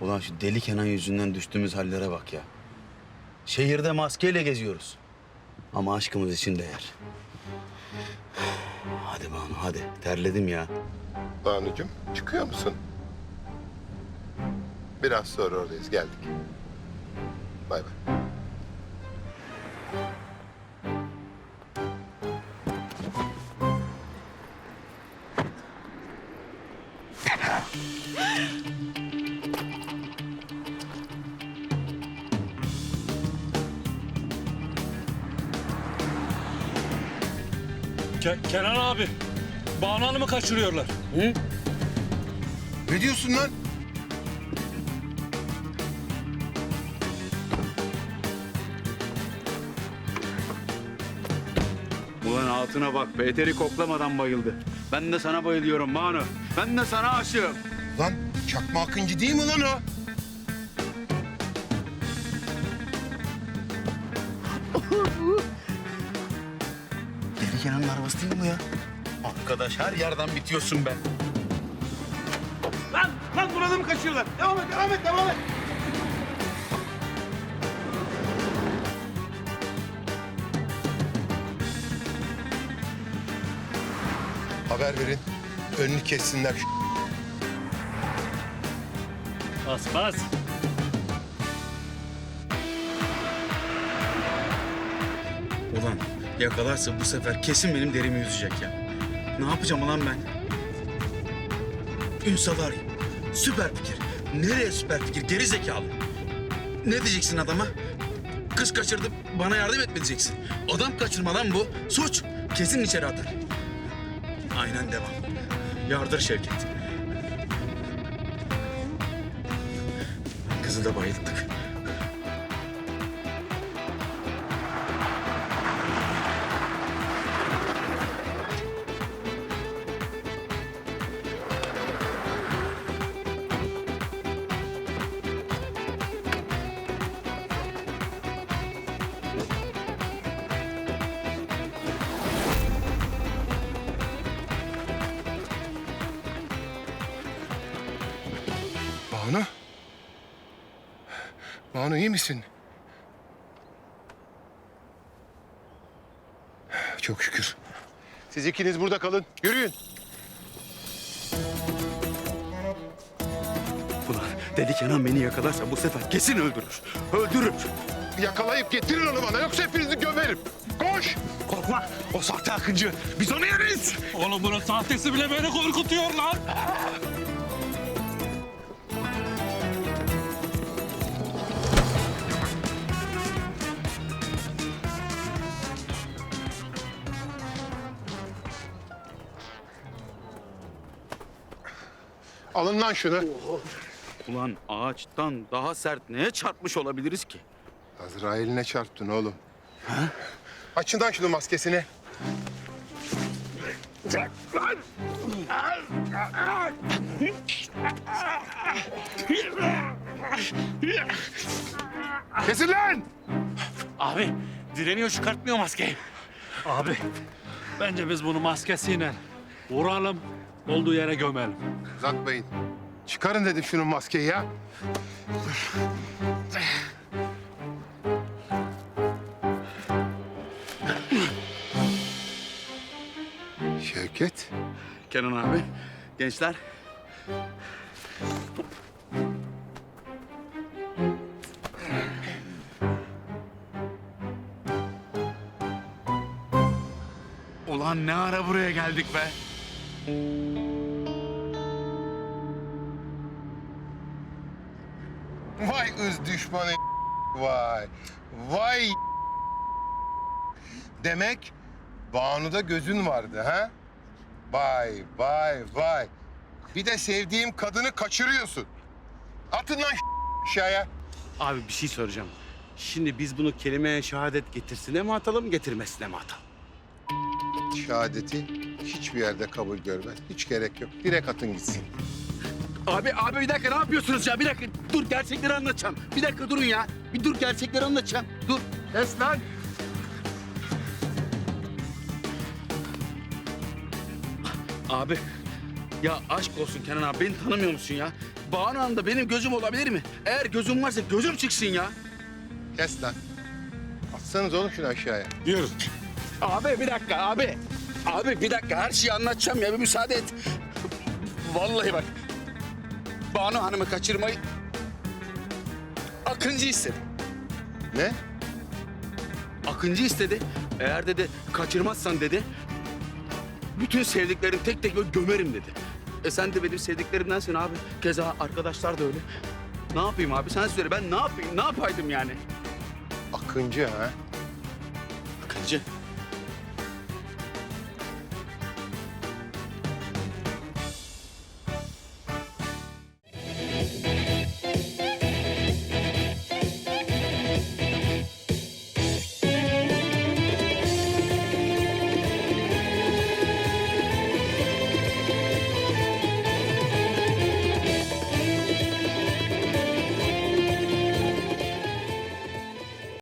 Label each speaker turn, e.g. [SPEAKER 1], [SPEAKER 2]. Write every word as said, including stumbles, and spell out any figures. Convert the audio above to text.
[SPEAKER 1] Ulan şu deli Kenan yüzünden düştüğümüz hallere bak ya. Şehirde maskeyle geziyoruz. Ama aşkımız için değer. Hadi Banu hadi. Terledim ya.
[SPEAKER 2] Banucuğum çıkıyor musun? Biraz sonra oradayız. Geldik. Bay bay.
[SPEAKER 3] Ke- Kenan abi, Banu Hanım'ı kaçırıyorlar.
[SPEAKER 2] Ne diyorsun lan?
[SPEAKER 1] Ulan altına bak be. Eteri koklamadan bayıldı. Ben de sana bayılıyorum Banu. Ben de sana aşığım.
[SPEAKER 2] Lan Çakma Akıncı değil mi lan o?
[SPEAKER 1] Deli Kenan'ın arabası değil mi bu ya? Arkadaş her yerden bitiyorsun be.
[SPEAKER 4] Lan, lan burada mı kaçıyorlar? Devam et, devam et, devam et.
[SPEAKER 2] Haber verin. Önünü kessinler.
[SPEAKER 3] Bas bas.
[SPEAKER 1] Ulan yakalarsa bu sefer kesin benim derimi yüzecek ya. Ne yapacağım ulan ben? Ünsal arayayım. Süper fikir. Nereye süper fikir? Geri zekalı. Ne diyeceksin adama? Kız kaçırdı, bana yardım etme diyeceksin. Adam kaçırma lan bu. Suç. Kesin içeri atar. Aynen devam. Yardır Şevket. Kızı da bayılttık.
[SPEAKER 2] Banu? Banu iyi misin? Çok şükür. Siz ikiniz burada kalın. Yürüyün.
[SPEAKER 1] Ulan Deli Kenan beni yakalarsa bu sefer kesin öldürür. Öldürür.
[SPEAKER 2] Yakalayıp getirin onu bana. Yoksa hepinizi gömerim. Koş!
[SPEAKER 4] Korkma, o sahte Akıncı. Biz onu yeriz.
[SPEAKER 3] Oğlum bunun sahtesi bile beni korkutuyor lan.
[SPEAKER 2] Alın lan şunu.
[SPEAKER 1] Ulan ağaçtan daha sert neye çarpmış olabiliriz ki?
[SPEAKER 2] Azrail'ine çarptın oğlum. Ha? Açın lan şunu maskesini. Kesin lan!
[SPEAKER 3] Abi, direniyor, çıkartmıyor maskeyi. Abi, bence biz bunu maskesiyle vuralım, olduğu yere gömelim.
[SPEAKER 2] Uzatmayın. Çıkarın dedim şunun maskeyi ya. Şevket.
[SPEAKER 1] Kenan abi, gençler. Ulan ne ara buraya geldik be?
[SPEAKER 2] Vay ız düşmanı vay. Vay demek Banu'da gözün vardı ha? Vay vay vay. Bir de sevdiğim kadını kaçırıyorsun. Atın lan aşağıya.
[SPEAKER 1] Abi bir şey soracağım. Şimdi biz bunu kelimeye şehadet getirsine mi atalım, getirmesine mi atalım?
[SPEAKER 2] Şehadeti hiçbir yerde kabul görmez. Hiç gerek yok. Direkt atın gitsin.
[SPEAKER 1] Abi, abi bir dakika ne yapıyorsunuz ya? Bir dakika dur gerçekleri anlatacağım. Bir dakika durun ya. Bir dur gerçekleri anlatacağım. Dur.
[SPEAKER 2] Kes lan.
[SPEAKER 1] Abi Ya aşk olsun Kenan abi, beni tanımıyor musun ya? Banu Hanım'da benim gözüm olabilir mi? Eğer gözüm varsa gözüm çıksın ya.
[SPEAKER 2] Kes lan. Atsanız oğlum şunu aşağıya.
[SPEAKER 4] Yürü.
[SPEAKER 1] Abi bir dakika abi. Abi bir dakika, her şeyi anlatacağım ya, bir müsaade et. Vallahi bak. Banu Hanım'ı kaçırmayı Akıncı istedi.
[SPEAKER 2] Ne?
[SPEAKER 1] Akıncı istedi. Eğer dedi kaçırmazsan dedi, bütün sevdiklerini tek tek böyle gömerim dedi. E sen de benim sevdiklerimdensin abi. Keza arkadaşlar da öyle. Ne yapayım abi, sen söyle, ben ne yapayım, ne yapaydım yani?
[SPEAKER 2] Akıncı ha?
[SPEAKER 1] Akıncı.